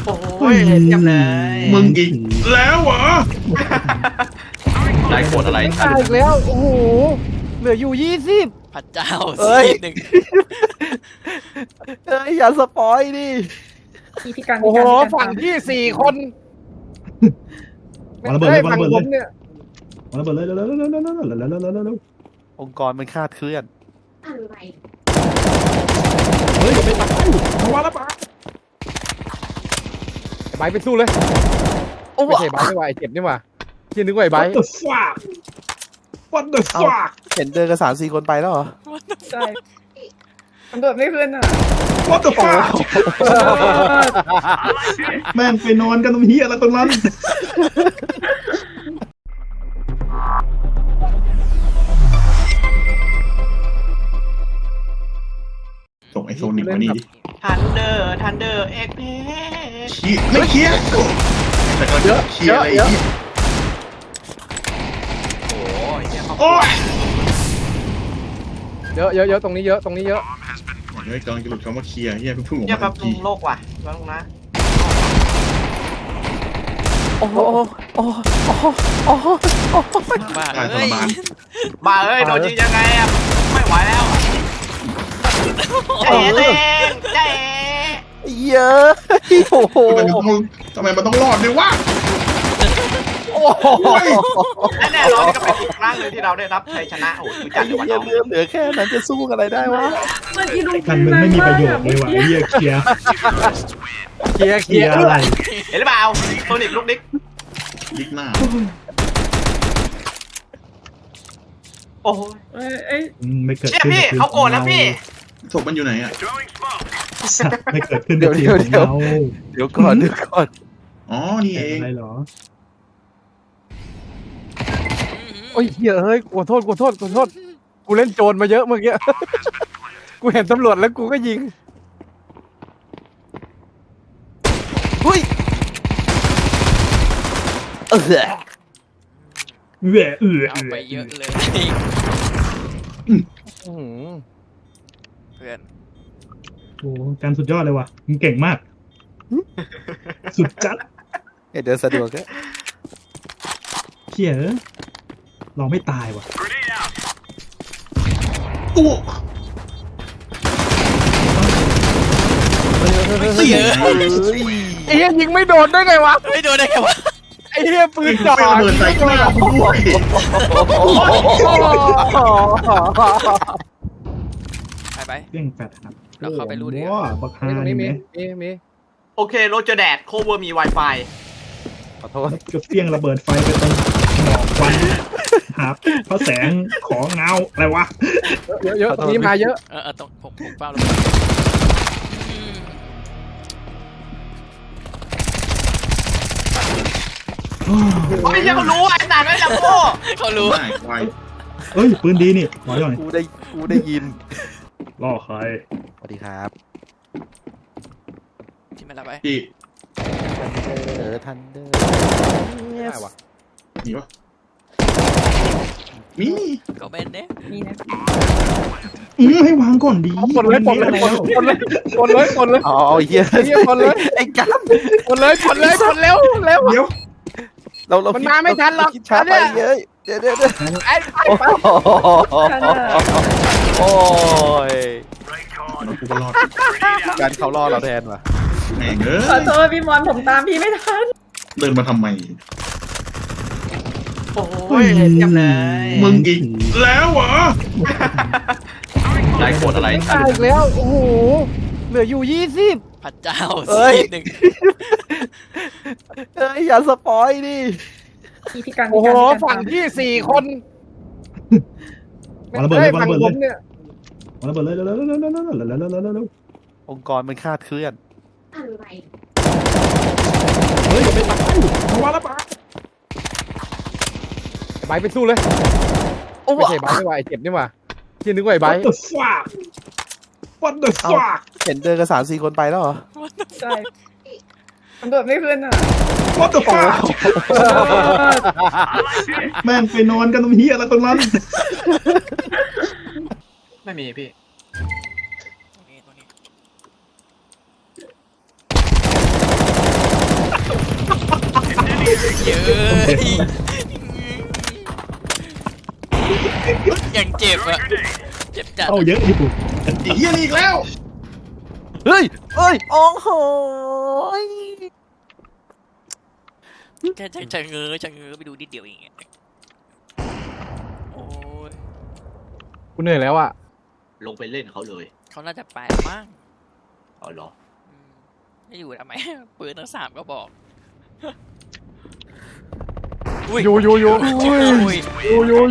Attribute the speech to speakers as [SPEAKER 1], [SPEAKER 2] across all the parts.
[SPEAKER 1] โอ้ยเทียบเลย
[SPEAKER 2] มึงอีกแล้วเหรอ
[SPEAKER 3] ได้กดอะไร
[SPEAKER 4] ตายอีกแล้วโอ้โหเหลืออยู่20
[SPEAKER 3] พระเจ้า
[SPEAKER 4] เอ้ย
[SPEAKER 3] หนึ่ง
[SPEAKER 4] เอ้ยอย่าสปอยดิ
[SPEAKER 5] พี่กัน
[SPEAKER 4] โอ้โห
[SPEAKER 5] พี่กัน
[SPEAKER 4] ฝั่งที่4 คน
[SPEAKER 2] วางระเบิดเลย
[SPEAKER 4] ฝั่ง
[SPEAKER 2] วางระเบิด
[SPEAKER 4] ผ
[SPEAKER 2] เลย
[SPEAKER 4] มเนี่ย
[SPEAKER 2] วางระเบิดเลยเร็วๆ
[SPEAKER 4] องค์กรมันคาดเคลื่อน
[SPEAKER 5] อะไร
[SPEAKER 2] เฮ้ยอย่าไปตายมาวางระเบิด
[SPEAKER 4] ไบร์ทไปสู้เลยไม่ใช่ไบร์ทนี่หว่าไอ้เจ็บนี่หว่าที่นึกว่าไอ้ไบร์ท
[SPEAKER 2] What the fuck What the fuck
[SPEAKER 4] เห็นเดินกัน3-4 คนไปแล้วเหรอ
[SPEAKER 5] ใช่มันโดดไม่ขึ้นอ่ะ
[SPEAKER 2] What the fuck แม่งไปนอนกันตรงเฮียอะไรตรงนั้นส่งไอโซนิกมานี่ดิ
[SPEAKER 1] ทันเดอร์เอ็กเพ
[SPEAKER 2] ขี้ไม่เคลียร์แต่ก็เคลียร์อะไรอีก
[SPEAKER 1] โอ้ยเนี่ยเขา
[SPEAKER 2] โอ้ย
[SPEAKER 4] เยอะตรงนี้เยอะตรงนี้เยอะ
[SPEAKER 2] เฮ้ยกำลังจะหลุดคำว่าเคลียร์เฮียเพิ่งออก
[SPEAKER 1] เนี่ย
[SPEAKER 2] มา
[SPEAKER 1] แบบลุ
[SPEAKER 2] ที
[SPEAKER 1] งโลกว่ะแล้วลุงนะ
[SPEAKER 4] โอ้โหโอ้โหโอ้โหโอ้โห
[SPEAKER 3] บ้า
[SPEAKER 2] ตายท
[SPEAKER 3] เอ้
[SPEAKER 2] ร
[SPEAKER 3] ย
[SPEAKER 2] มาน
[SPEAKER 1] บ้าเอ้ยโดนยิงยังไงอ่ะไม่ไหวแล้วใจเย็นใจ
[SPEAKER 4] เยอะโอ้โห
[SPEAKER 2] ทำไมมันต้องรอดด้วยวะ
[SPEAKER 4] โอ้โห
[SPEAKER 1] และแน่นอนนี่ก็เป็นอีกครั้งหนึ่งที่เราได้รับชัยชนะโอ้ยคือจัดอยู่วัน
[SPEAKER 4] เลื
[SPEAKER 1] นี้
[SPEAKER 4] อดเหลือแค่นั้นจะสู้อะไรได้วะ
[SPEAKER 5] มันอีลุง
[SPEAKER 2] กันมึงไม่มีประโยชน์เลยว่ะไอ้เฮียเคลียร์
[SPEAKER 4] เคลียร์
[SPEAKER 2] เคลียร์อะไร
[SPEAKER 1] เห็นหรือเปล่าโซนิกลูกดิ๊ก
[SPEAKER 2] ยิกหน้า
[SPEAKER 1] โอ้ย
[SPEAKER 5] เอ้ย
[SPEAKER 2] ไม่เกิด
[SPEAKER 1] เนี่ย
[SPEAKER 2] ขึ้น
[SPEAKER 1] พี่เขาโกรธแล้วพี่
[SPEAKER 2] ศพมันอยู่ไหนอ่ะไม่เกิดขึ้นกับทีมของเรา
[SPEAKER 4] เดี๋ยวก่อน
[SPEAKER 2] อ๋อนี่เอง
[SPEAKER 6] อะไรเหรอ
[SPEAKER 4] โอ้ยเฮ้ยขอโทษกูเล่นโจรมาเยอะเมื่อกี้กูเห็นตำรวจแล้วกูก็ยิงเฮ้ย
[SPEAKER 2] แหวะ
[SPEAKER 3] เอาไปเยอะเลย
[SPEAKER 4] อื้อหือ
[SPEAKER 3] เพื่อน
[SPEAKER 6] โอ้การสุดยอดเลยว่ะมึงเก่งมาก สุดจัด
[SPEAKER 4] เดินสะดวกแค่
[SPEAKER 6] เชี่ยเอ้ยเราไม่ตายว่ะ
[SPEAKER 2] อู้
[SPEAKER 3] เยอะ
[SPEAKER 4] ไอ้เหี้ยยิงไม่โดนได้ไงวะ
[SPEAKER 3] ไม่โดนได้ไงวะ
[SPEAKER 4] ไอ้เหี้ยปืนจ่อ
[SPEAKER 2] ไม่ระเบิดใส่หน้ากูด้วย
[SPEAKER 3] ไป
[SPEAKER 6] เรื่องแฟดครับ
[SPEAKER 3] เราเข้าไปรูดดีก
[SPEAKER 6] ว้า
[SPEAKER 3] ว่า
[SPEAKER 6] บักฮา
[SPEAKER 4] ตรงนี้
[SPEAKER 6] นี่
[SPEAKER 4] มี
[SPEAKER 1] โอเคโรเจอร์แดดโคเวอร์มี Wi-Fi
[SPEAKER 4] ขอโทษ
[SPEAKER 6] ก็เปี้ยงระเบิดไฟไปตรงหมอกควันหาพระแสงของเงาอะไรวะ
[SPEAKER 4] เยอะตรงนี้มาเยอะ
[SPEAKER 3] ตรงผมเป้าแล้วอืม
[SPEAKER 1] โอ้ยเขารู้ไอ้สัตว์ไม่จับโก้
[SPEAKER 3] เขารู้
[SPEAKER 2] ไม่ไว
[SPEAKER 6] เอ้ยปืนดีนี่ขอหน่อย
[SPEAKER 4] กูได้ยิน
[SPEAKER 6] ล่อใคร
[SPEAKER 4] สวัสดีครับ
[SPEAKER 3] ที่มันละไป
[SPEAKER 2] พี่
[SPEAKER 4] ทันเดอร์ได้วะ
[SPEAKER 2] มีปะมี
[SPEAKER 3] ก็เป็นเนี่ย
[SPEAKER 5] นี่นะ
[SPEAKER 6] ให้วางก่อนดี
[SPEAKER 4] ปลดเลยอ๋อเหี้ยปลดเลยไอ้กันปลดเลยเร็ว
[SPEAKER 2] เดี๋ยว
[SPEAKER 4] เรามันมาไม่ทันหรอกช้าไปเยอะเดี๋ยวไอ้โอ้ย
[SPEAKER 2] เรากูก็รอด
[SPEAKER 4] การเขาล่อเราแทนว่ะ
[SPEAKER 2] แม่งเอ้
[SPEAKER 5] ขอย โทษพี่มอนผมตามพี่ไม่ทัน
[SPEAKER 2] เดินมาทำไม
[SPEAKER 1] โอ้ยเทียบเลย
[SPEAKER 2] มึงอีกแล้วเหรอ
[SPEAKER 3] ได้กดอะไร
[SPEAKER 4] ตายอีกแล้วโอ้โหเหลืออยู่20
[SPEAKER 3] พระเจ้า
[SPEAKER 4] เอ้ย
[SPEAKER 3] หนึ่ง
[SPEAKER 4] เอ้ยอย่าสปอยดิ
[SPEAKER 5] พี่กัน
[SPEAKER 4] โอ้โห
[SPEAKER 5] พี่กัน
[SPEAKER 4] ฝั่งที่4 คน
[SPEAKER 6] วางระเบิดเลย
[SPEAKER 4] ฝั่งผมเนี่ยว
[SPEAKER 6] างระเบิดเลยเร็ว
[SPEAKER 4] องค์กรมันคาดเคลื่อน
[SPEAKER 5] อะไร
[SPEAKER 6] เฮ้ยอย่าไปตายมาวางระเบิด
[SPEAKER 4] ไบร์ทไปสู้เลยไม่ใช่ไบร์ทนี่หว่าไอ้เจ็บนี่หว่าที่นึกว่าไอ้ไบร์
[SPEAKER 6] What
[SPEAKER 4] ท
[SPEAKER 6] the fuck What the fuck
[SPEAKER 4] เห็นเดินกัน3-4 คนไปแล้วเหรอ
[SPEAKER 5] ใช่มันโดดไม่ขึ้นอ่ะ
[SPEAKER 6] What the fuck แม่งไปนอนกันตรงเฮียอะไรตรงนั้น
[SPEAKER 1] ไม่มีพี่
[SPEAKER 3] ตรงนี้ยังเจ็บอะเจ็บจัด
[SPEAKER 6] เข้าเยอะอยู่
[SPEAKER 2] ไอ้เหี้ยนี่อีกแล้ว
[SPEAKER 4] เฮ้ยเฮ้ยโอ้โห
[SPEAKER 3] แค่ชะเง้อไปดูนิดเดียวเองอะโอ้ย
[SPEAKER 4] กูเหนื่อยแล้วอ่ะ
[SPEAKER 1] ลงไปเล่นเขาเลย
[SPEAKER 3] เขาน่าจะไปมั้ง
[SPEAKER 1] เอาเหรอ
[SPEAKER 3] อืมไม่อยู่ทำไม ปืนทั้ง3ก็บอก
[SPEAKER 4] อยู่อยู่อยู่
[SPEAKER 3] อุ้ย
[SPEAKER 4] อยู่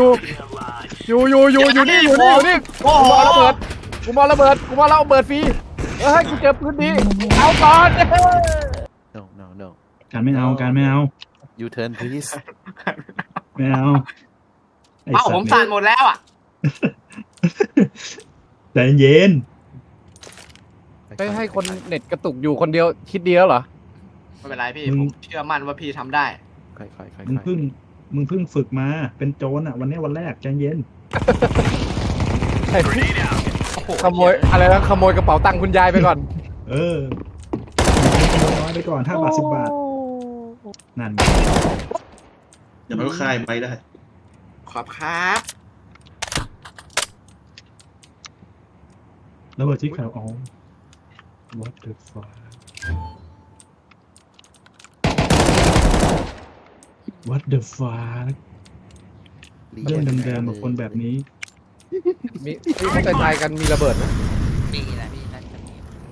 [SPEAKER 4] นี่อยู่นี่
[SPEAKER 1] โอ้
[SPEAKER 4] กู
[SPEAKER 1] โห
[SPEAKER 4] มองระเบิดกูมองระเบิดฟรีเฮ้ยกูเจอพื้นที่เอาก่อน
[SPEAKER 7] No.
[SPEAKER 6] การไม่เอาการไม่เอา
[SPEAKER 7] You turn please.
[SPEAKER 6] ไม่เอาไอ้
[SPEAKER 1] เอ้า
[SPEAKER 6] สัต
[SPEAKER 1] ผม
[SPEAKER 6] ว์
[SPEAKER 1] สั่นหมดแล้วอ่ะ
[SPEAKER 6] ใจเย็น
[SPEAKER 4] ไปให้คนเน็ตกระตุกอยู่คนเดียวคิดเดียวเหรอ
[SPEAKER 1] ไม่เป็นไรพี่ผมเชื่อมั่นว่าพี่ทำได้
[SPEAKER 7] ค่อย
[SPEAKER 6] มึงเพิ่งฝึกมาเป็นโจรอ่ะวันนี้วันแรกใจเย็น
[SPEAKER 4] ขโมยอะไรนะขโมยกระเป๋าตังค์คุณยายไปก่อน
[SPEAKER 6] เออน้อยไปก่อน5 บาท 10 บาทนั่น
[SPEAKER 2] อย่ามาก็คายไปได้
[SPEAKER 1] ขอบครับ
[SPEAKER 6] แล้วเบอร์ที่เขาอ๋อ what the fuck what the fuck เรื่องเดิมๆกับคนแบบนี้
[SPEAKER 4] มีที่เขาตายกันมีระเบิดนะ
[SPEAKER 3] มีนะพี่น่าจะมี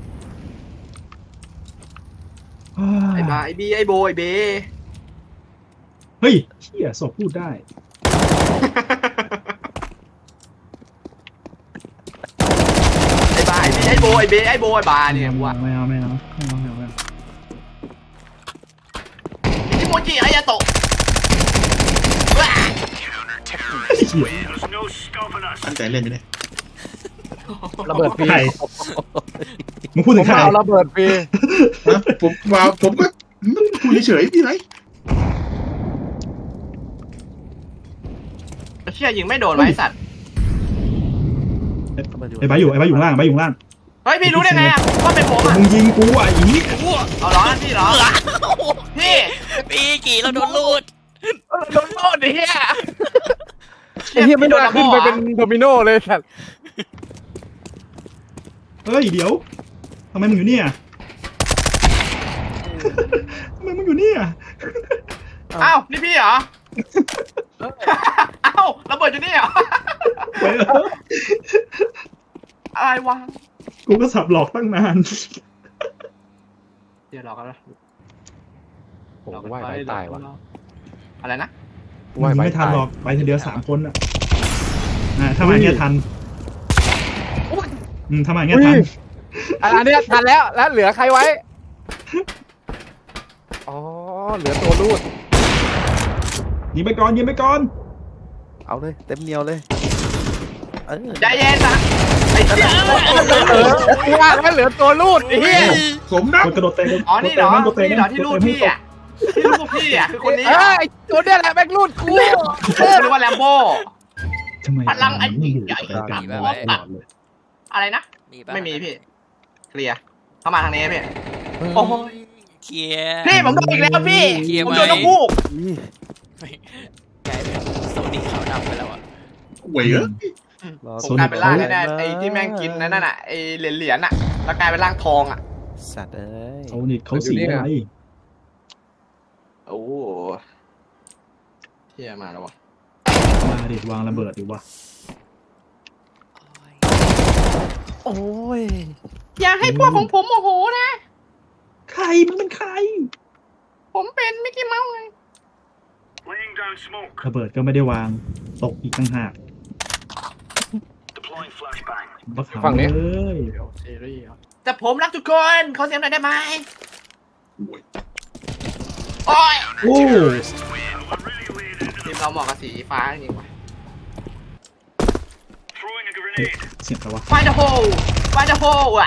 [SPEAKER 1] ไอ้บาไอ้บีไอ้โบไอ้เบ
[SPEAKER 6] เฮ้ยเชี่ยศพพูดได้
[SPEAKER 1] ไอ้บาไอ้บีไอ้โบไอ้เบไอ้โบไอ้บาเนี่ยว่า
[SPEAKER 6] ไม่เอา
[SPEAKER 1] อิโมจิอายาโตะว้า
[SPEAKER 6] เชี่ย
[SPEAKER 2] ตั้งใจเล่นไหมเนี่ย
[SPEAKER 4] ระเบิดฟรี
[SPEAKER 6] ใครมึงพูด
[SPEAKER 4] ผ
[SPEAKER 6] ถึ
[SPEAKER 4] ม
[SPEAKER 6] งใคร
[SPEAKER 4] เอาระเบิดฟรี
[SPEAKER 2] นะผมก็คุยเฉยๆพี่ไร
[SPEAKER 1] เชี่ยยิงไม่โดนไว้สัตว์
[SPEAKER 6] ไอ้ใบอยู่ข้างล่าง
[SPEAKER 1] เฮ้ยพี่รู้ได้ไงอะว่าเป็นผมอะ
[SPEAKER 6] มึงยิงกูอ่ะอี
[SPEAKER 1] เอาเหรอนั่นพี่เหรอพี่
[SPEAKER 3] พี่กี่เราโดนลูด
[SPEAKER 1] โดนโทษดิเฮีย
[SPEAKER 4] ไอ้เหี้ยไม่โดนขึ้นไปเป็นโดมิโนเลยสัตว์
[SPEAKER 6] เฮ้ยเดี๋ยวทำไมมึงอยู่เนี่ยทำไมมึงอยู่เนี่ย
[SPEAKER 1] อ้าวนี่พี่เหรออ้าวระเบิดอยู่นี่เหรอ
[SPEAKER 6] ไปเถอะ
[SPEAKER 1] อะไรวะ
[SPEAKER 6] กูก็สับหลอกตั้งนาน
[SPEAKER 1] เดี๋ยวรอกันนะ
[SPEAKER 4] ผมว่าไปตายวะ
[SPEAKER 1] อะไรนะ
[SPEAKER 4] ว่าไป
[SPEAKER 6] ไม่ทัน
[SPEAKER 4] ตาย
[SPEAKER 6] หรอกไปทีเดียว3 คนอ่ะถ้ามาอย่างเงี้ยทันถ้ามาอย่างเงี้ยทัน
[SPEAKER 4] อันนี้ทันแล้วเหลือใครไว้อ๋อเหลือตัวรูด
[SPEAKER 6] ยิงไปก่อน
[SPEAKER 7] เอาเลยเต็มเหนียวเลย
[SPEAKER 1] ใจเย็นนะไอ้เหี้ย
[SPEAKER 4] ว่าแล้วเหลือตัวรูดไอ้เหี้ย
[SPEAKER 2] สมนะ
[SPEAKER 6] กระโดดเตะ
[SPEAKER 1] อ๋อนี่เหรอ
[SPEAKER 6] โดดเตะ
[SPEAKER 1] นี่เหรอที่รูดพี่อ่ะที่รูดพี่อ่ะคือคนนี้
[SPEAKER 4] เอ้ยตัวเนี้ยแหละแม่งรูดกู
[SPEAKER 1] หรือว่าแลมโบ้
[SPEAKER 6] ทำไม
[SPEAKER 1] พลังอันยิ่งใหญ่
[SPEAKER 6] กัน
[SPEAKER 3] มี
[SPEAKER 6] ต
[SPEAKER 3] ปะ
[SPEAKER 6] ลอดเลย
[SPEAKER 1] อะไรนะ
[SPEAKER 3] มีปะ
[SPEAKER 1] ไม่มีพี่เคลียร์เข้ามาทางนี้พี่
[SPEAKER 3] โอ้ยเคลียร์
[SPEAKER 1] พี่ผมโดนอีกแล้วพี่
[SPEAKER 3] เคลียร์
[SPEAKER 1] ผม
[SPEAKER 3] ไหม
[SPEAKER 1] โดนนกฮูก
[SPEAKER 3] กลายเป็นโซนิขาวดำไปแล้วอ่ะ
[SPEAKER 2] หวยเหรอ
[SPEAKER 1] ผมกลายเป็นร่างแน่ๆไอ้ที่แม่งกินนั่นน่ะไอ้เหรียญน่ะแล้วกลายเป็นร่างทองอ่ะ
[SPEAKER 7] สัตว์เอ้ย
[SPEAKER 6] เขานี่เขาสีอะไร
[SPEAKER 1] โอ้เที่ยมาแล้ววะ
[SPEAKER 6] มาดิวางระเบิดดิวะ
[SPEAKER 7] โอ้ย
[SPEAKER 1] อย่าให้พวกของผมโมโหนะ
[SPEAKER 6] ใครมึงเป็นใคร
[SPEAKER 1] ผมเป็นมิกกี้เมาส์ไง
[SPEAKER 6] ระเบิดก็ไม่ได้วางตกอีกต่างหากบัก
[SPEAKER 4] ฝั่งนี้
[SPEAKER 6] เลย
[SPEAKER 1] ซีรีส์แต่ผมรักทุกคนขอเสียงหน่อยได้ไหมโอ้ย
[SPEAKER 6] โอ้
[SPEAKER 1] ทีมเราเหมาะกับสีฟ้าจริงว่ะ
[SPEAKER 6] เสียงอะไรวะ
[SPEAKER 1] ไฟเดอะโฮไฟเดอะโฮอ่ะ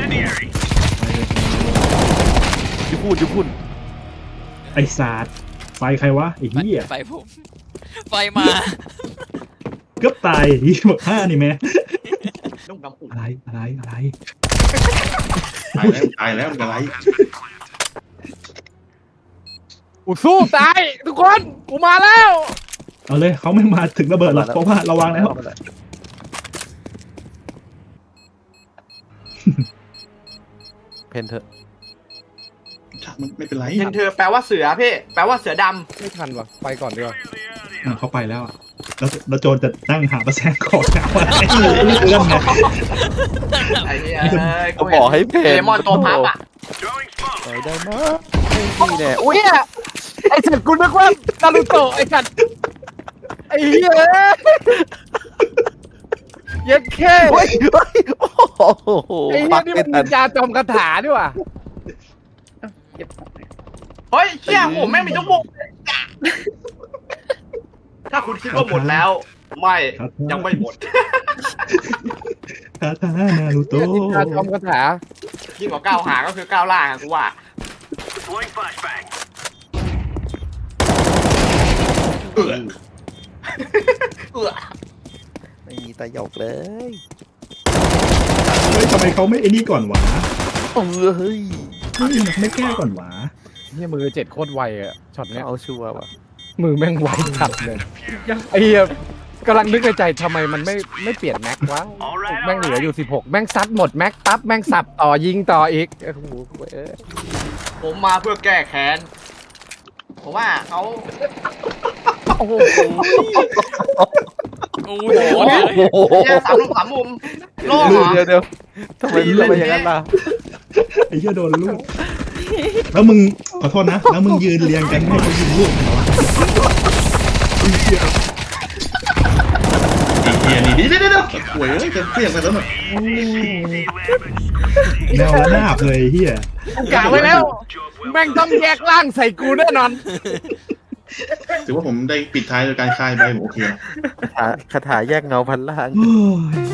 [SPEAKER 7] ยุพูด
[SPEAKER 6] ไอ้ศาสตร์ไฟใครวะไอ้เหี้ย
[SPEAKER 3] ไฟผม ไฟมา
[SPEAKER 6] เกือบตายที่บอก5นี่แม่
[SPEAKER 1] นุ่งดำอุ่น
[SPEAKER 6] อะไร
[SPEAKER 2] ตายแล้วมันอะไร
[SPEAKER 4] กูสู้ตายทุกคนกูมาแล้ว
[SPEAKER 6] เอาเลยเขาไม่มาถึงระเบิดหรอกเพราะว่าเราวางแล้ว
[SPEAKER 7] เพนเถอะ
[SPEAKER 2] ช่างมันไม่เป็นไร
[SPEAKER 1] เห็นเธอแปลว่าเสือพี่แปลว่าเสือด
[SPEAKER 4] ไม่ทันว่ะไปก่อนดีกว่า
[SPEAKER 6] เขาไปแล้วอะแล้วโจรจะนั่งหาประแสงของหาว่าไอ้เรื่องไง
[SPEAKER 1] ำไอ้เหี้ย
[SPEAKER 7] ก็บอกให้เพน
[SPEAKER 1] เลมอนตัวพับอ่ะ
[SPEAKER 7] ไปได้นะนี่แน่อุ้ย
[SPEAKER 4] เนี่ยไอ้สัตว์กูนึกว่านารูโตะไอ้สัตว์ไอ้เหี้ยเย็ดแค่
[SPEAKER 7] เฮ้ยเฮ้ยโอ้โห
[SPEAKER 4] ไอ้เหี้
[SPEAKER 7] ปั
[SPEAKER 4] ย
[SPEAKER 7] ก
[SPEAKER 4] นี่
[SPEAKER 7] ไม่
[SPEAKER 4] มัน
[SPEAKER 7] ทั
[SPEAKER 4] นิ
[SPEAKER 7] น
[SPEAKER 4] นจาจอมคาถาด้วยว่ะ
[SPEAKER 5] เก็บของ
[SPEAKER 1] เฮ้ยเชี่ยโหแม่งมีทุกมุกถ้าคุณคิดว่าหมดแล้ว ไม่ยังไม่หมด
[SPEAKER 6] คาถานารูโต
[SPEAKER 4] นินจาจอมคาถา
[SPEAKER 1] ยิ่งกว่าก้าวหางก็คือก้าวล่างอะกูว่า
[SPEAKER 2] เออ
[SPEAKER 1] เอื้อ
[SPEAKER 7] ไม่มีตะหยกเลย
[SPEAKER 6] เฮ้ยทำไมเขาไม่ไอ้นี่ก่อนวะ
[SPEAKER 7] เฮ้ย
[SPEAKER 6] เฮ้ยไม่แก้ก่อนวะ
[SPEAKER 4] เหี้ยมือ7โคตรไวอะช็อตเนี้ย
[SPEAKER 7] เอาชัวร์ว่ะ
[SPEAKER 4] มือแม่งไวจัดเลยไอ้เหี้ยกำลังนึกในใจทำไมมันไม่เปลี่ยนแม็กวะแม่งเหลืออยู่16แม่งซัดหมดแม็กปั๊บแม่งสับต่อยิงต่ออีกโอ้โหเอ้ย
[SPEAKER 1] ผมมาเพื่อแก้แค้นผมว่าเขา
[SPEAKER 4] โอ้โห
[SPEAKER 3] โอ้โหเลย
[SPEAKER 7] โอ้โห
[SPEAKER 1] เหี้ยสามลูกสามมุมโล่เหรอ
[SPEAKER 7] เดี๋ยวทำไมอย่างนั้นล่ะ
[SPEAKER 6] ไอ้เหี้ยโดนลูกแล้วมึงขอโทษนะแล้วมึงยืนเรียงกันให้เขายิงลูกเหรอวะ
[SPEAKER 2] ไอ้เหี้ยนี่เดี๋ยวป่วยเลยจะเปรี้ยงไปแล้วน่ะ
[SPEAKER 6] แนวระนาบเลยไอ้เหี้ย
[SPEAKER 4] กูกะไว้แล้ว แม่งต้องแยกร่างใส่กูแน่นอน
[SPEAKER 2] ถือว่าผมได้ปิดท้ายโดยการคายใบผมโอเคนะ
[SPEAKER 7] คาถาแยกเงาพันล่าง
[SPEAKER 6] โอ้ย